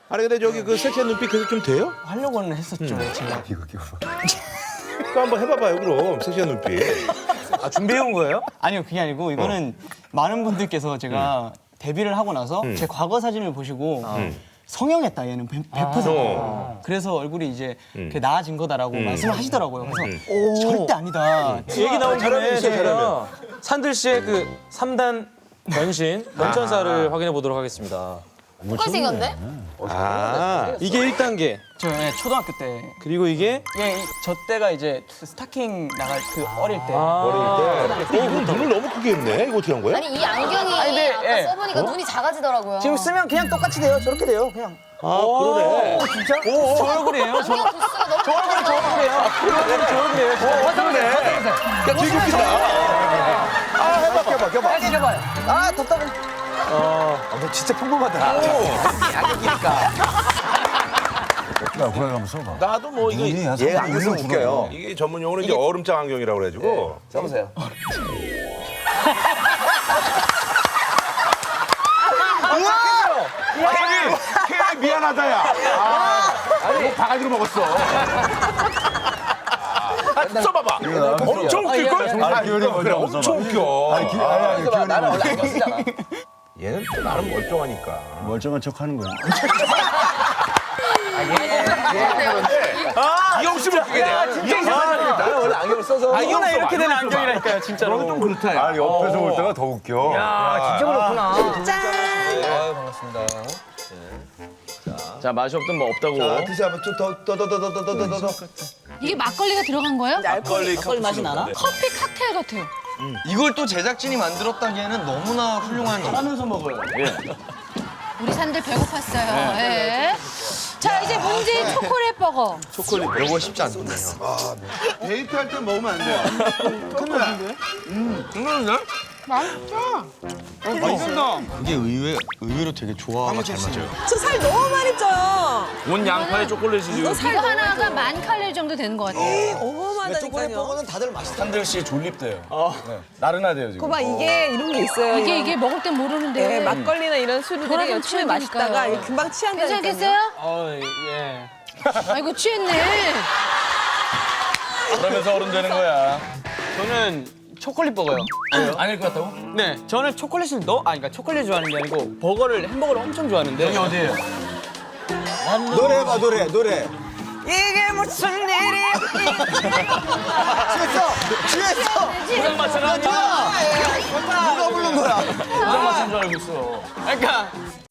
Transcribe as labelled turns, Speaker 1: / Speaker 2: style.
Speaker 1: 아니 근데 저기 그 섹시한 눈빛 그래도 좀 돼요?
Speaker 2: 하려고는 했었죠, 제가.
Speaker 1: 또 한번 해봐봐요 그럼 섹시한 눈빛.
Speaker 3: 아, 준비해온 거예요?
Speaker 2: 아니요, 그게 아니고 이거는 많은 분들께서 제가 데뷔를 하고 나서 제 과거 사진을 보시고 성형했다 얘는 100%. 그래서 얼굴이 이제 그게 나아진 거다라고 말씀을 하시더라고요. 그래서 절대 아니다.
Speaker 3: 얘기 나온 김에
Speaker 1: 있어요,
Speaker 3: 저희가 산들 씨의 그 3단 변신, 변천사를 확인해 보도록 하겠습니다.
Speaker 4: 똑같이 생겼네?
Speaker 3: 이게 1단계.
Speaker 2: 저 초등학교 때.
Speaker 3: 그리고 이게
Speaker 2: 저 때가 이제 스타킹 나갈 그 어릴 때.
Speaker 1: 이건 눈을 너무 크게 했네. 이거 어떻게 한 거야?
Speaker 4: 아니 이 안경이
Speaker 2: 근데,
Speaker 4: 아까
Speaker 2: 예.
Speaker 4: 써보니까 눈이 작아지더라고요.
Speaker 2: 지금 쓰면 그냥 똑같이 돼요. 저렇게 돼요, 그냥.
Speaker 1: 아 그러네.
Speaker 2: 진짜? 저 얼굴이에요. 저
Speaker 4: 안경 도수가 너무
Speaker 2: 얼굴이 저 얼굴이에요. 저 얼굴이에요.
Speaker 1: 야 되게 웃기다. 아 해봐.
Speaker 2: 다시 해봐요. 아, 답답해.
Speaker 5: 너 진짜 평범하다. 야, 그래 한번 써봐.
Speaker 1: 나도 뭐 이거
Speaker 5: 눈이 한
Speaker 1: 얘
Speaker 5: 3분의
Speaker 1: 안경 쓰면
Speaker 5: 1로
Speaker 1: 웃겨요.
Speaker 5: 줄어요.
Speaker 1: 이게 전문 용어는 이제 얼음장 안경이라고 그래가지고.
Speaker 2: 써보세요.
Speaker 1: 저기 미안하다야. 아니 바가지로 먹었어. 써봐봐. 엄청 웃길 걸?
Speaker 5: 아, 기현이
Speaker 1: 그래
Speaker 5: 먼저
Speaker 1: 엄청
Speaker 5: 써봐.
Speaker 1: 웃겨.
Speaker 5: 아니, 기현이
Speaker 2: 나는 원래 안경 쓰잖아.
Speaker 1: 얘는 또 나름 멀쩡하니까.
Speaker 5: 멀쩡한 척 하는 거야.
Speaker 1: 이형 씨면 웃기게 돼.
Speaker 2: 나는 원래 안경을 써서.
Speaker 1: 이형 씨
Speaker 2: 이렇게 된 안경이라니까요, 진짜로.
Speaker 1: 너는 좀 그렇다.
Speaker 5: 아, 옆에서 볼 때가 더 웃겨.
Speaker 2: 아, 진짜 그렇구나.
Speaker 3: 반갑습니다. 자, 맛이 없든 뭐 없다고.
Speaker 1: 드셔봐. 더.
Speaker 6: 이게 막걸리가 들어간 거예요?
Speaker 1: 막걸리
Speaker 2: 맛이 나나?
Speaker 6: 커피 칵테일 같아요.
Speaker 7: 이걸 또 제작진이 만들었다기에는 너무나 훌륭한 거.
Speaker 2: 하면서 먹어요.
Speaker 6: 우리 산들 배고팠어요. 예. 자, 이제 문제인 초콜릿 버거.
Speaker 7: 이거 쉽지 않거든요.
Speaker 1: 데이트할 때 먹으면 안 돼요.
Speaker 6: 맛있어.
Speaker 7: 이게 의외로 되게 조화가 잘 맞아요.
Speaker 8: 저 살 너무 많이 쪄요.
Speaker 3: 온 양파에 초콜릿이
Speaker 6: 이거 하나가 10,000칼로리 정도 되는 것 같아요.
Speaker 8: 어마어마하다니까요.
Speaker 2: 다들 맛있다.
Speaker 5: 산들 씨 졸립대요. 나른하대요, 지금.
Speaker 8: 거봐 이게 이런 게 있어요.
Speaker 6: 이게 먹을 땐 모르는데.
Speaker 8: 네, 막걸리나 이런 술들이
Speaker 6: 그거랑
Speaker 8: 처음에
Speaker 6: 취해지니까요.
Speaker 8: 마시다가 이게 금방 취한다니까요.
Speaker 6: 괜찮겠어요?
Speaker 2: 예.
Speaker 6: 아이고 취했네.
Speaker 5: 그러면서 어른 되는 거야.
Speaker 2: 저는 초콜릿 버거요.
Speaker 3: 아닐 것 같다고?
Speaker 2: 네, 저는 초콜릿을 그러니까 초콜릿 좋아하는 게 아니고 햄버거를 엄청 좋아하는데. 여기 어디예요?
Speaker 5: 노래 해봐, 노래.
Speaker 8: 이게 무슨 일이야?
Speaker 5: 취했어!
Speaker 3: 부장 맞춰라.
Speaker 5: 누가 부른 거야?
Speaker 3: 부장 맞춘 줄 알고 있어.
Speaker 2: 그러니까